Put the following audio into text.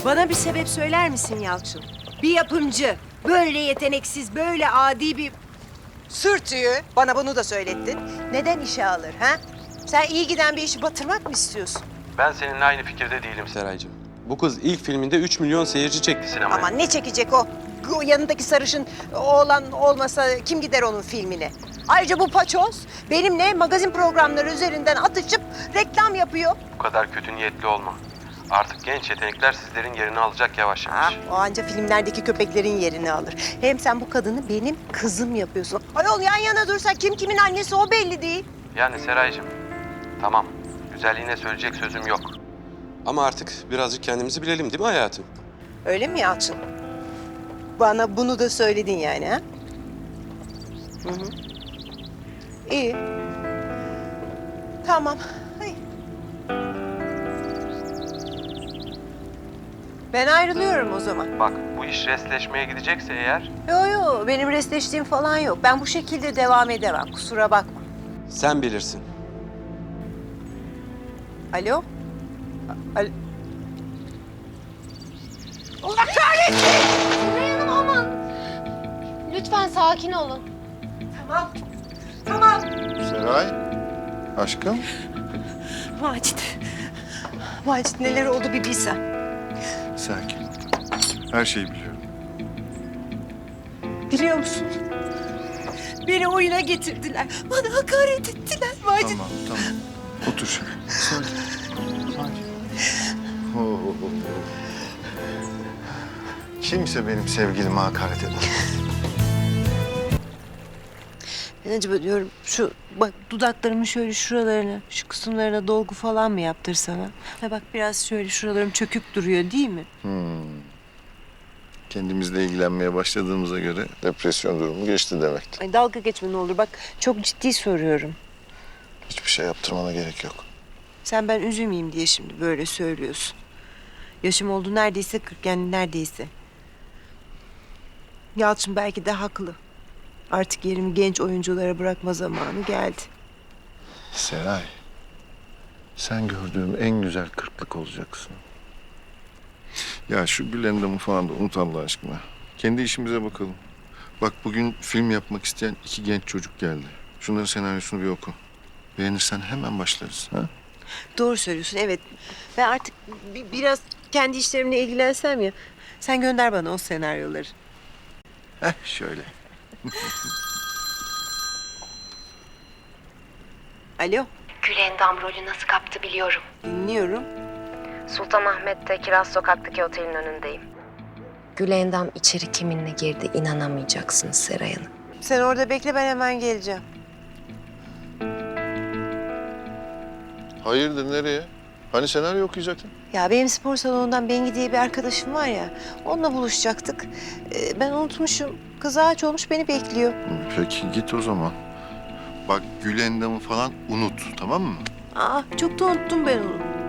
Bana bir sebep söyler misin Yalçın? Bir yapımcı böyle yeteneksiz, böyle adi bir sürtüyü bana bunu da söylettin. Neden işe alır ha? Sen iyi giden bir işi batırmak mı istiyorsun? Ben seninle aynı fikirde değilim Seraycığım. Bu kız ilk filminde 3 milyon seyirci çekti sinemaya. Aman ne çekecek o? O yanındaki sarışın oğlan olmasa kim gider onun filmine? Ayrıca bu paçoz benimle magazin programları üzerinden atışıp reklam yapıyor. Bu kadar kötü niyetli olma. Artık genç yetenekler sizlerin yerini alacak yavaş yavaş. O anca filmlerdeki köpeklerin yerini alır. Hem sen bu kadını benim kızım yapıyorsun. Ayol yan yana dursa kim kimin annesi o belli değil. Yani Seraycığım, tamam. Güzelliğine söyleyecek sözüm yok. Ama artık birazcık kendimizi bilelim değil mi hayatım? Öyle mi Yalçın? Bana bunu da söyledin yani ha? Hı hı. İyi. Tamam. Hayır. Ben ayrılıyorum o zaman. Bak bu iş restleşmeye gidecekse eğer... Yo benim restleştiğim falan yok. Ben bu şekilde devam edemem. Kusura bakma. Sen bilirsin. Alo? Alo? Allah kahretsin! Seray Hanım aman. Lütfen sakin olun. Tamam. Tamam. Seray, aşkım. Macit. Macit neler oldu bir bilsen. Sakin ol. Her şeyi biliyorum. Biliyor musun? Beni oyuna getirdiler. Bana hakaret ettiler Macit. Tamam. Otur şöyle. Sakin. Oo. Kimse benim sevgilime hakaret eder. Ben acaba diyorum şu bak dudaklarımın şöyle şuralarına, şu kısımlarına dolgu falan mı yaptırsam ha? Ha bak biraz şöyle şuralarım çökük duruyor değil mi? Kendimizle ilgilenmeye başladığımıza göre depresyon durumu geçti demektir. Ay dalga geçme ne olur bak çok ciddi soruyorum. Hiçbir şey yaptırmana gerek yok. Sen ben üzülmeyeyim diye şimdi böyle söylüyorsun. Yaşım oldu neredeyse 40 yani neredeyse. Yalçın belki de haklı. Artık yerimi genç oyunculara bırakma zamanı geldi. Seray, sen gördüğüm en güzel kırklık olacaksın. Ya şu Gülendam'ı falan da unut Allah aşkına. Kendi işimize bakalım. Bak bugün film yapmak isteyen 2 genç çocuk geldi. Şunların senaryosunu bir oku. Beğenirsen hemen başlarız. Ha? Doğru söylüyorsun evet. Ben artık biraz kendi işlerimle ilgilensem ya. Sen gönder bana o senaryoları. Şöyle. Alo, Gülendam rolü nasıl kaptı biliyorum. dinliyorum. Sultanahmet'te Kiraz Sokak'taki otelin önündeyim. Gülendam içeri kiminle girdi inanamayacaksınız Seray Hanım. Sen orada bekle ben hemen geleceğim. Hayırdır nereye? Hani senaryo okuyacaktın? Ya benim spor salonundan Bengi diye bir arkadaşım var ya. Onunla buluşacaktık. Ben unutmuşum. Kız ağaç olmuş beni bekliyor. Peki git o zaman. Bak Gülendam'ı falan unut tamam mı? Aa çok da unuttum ben onu.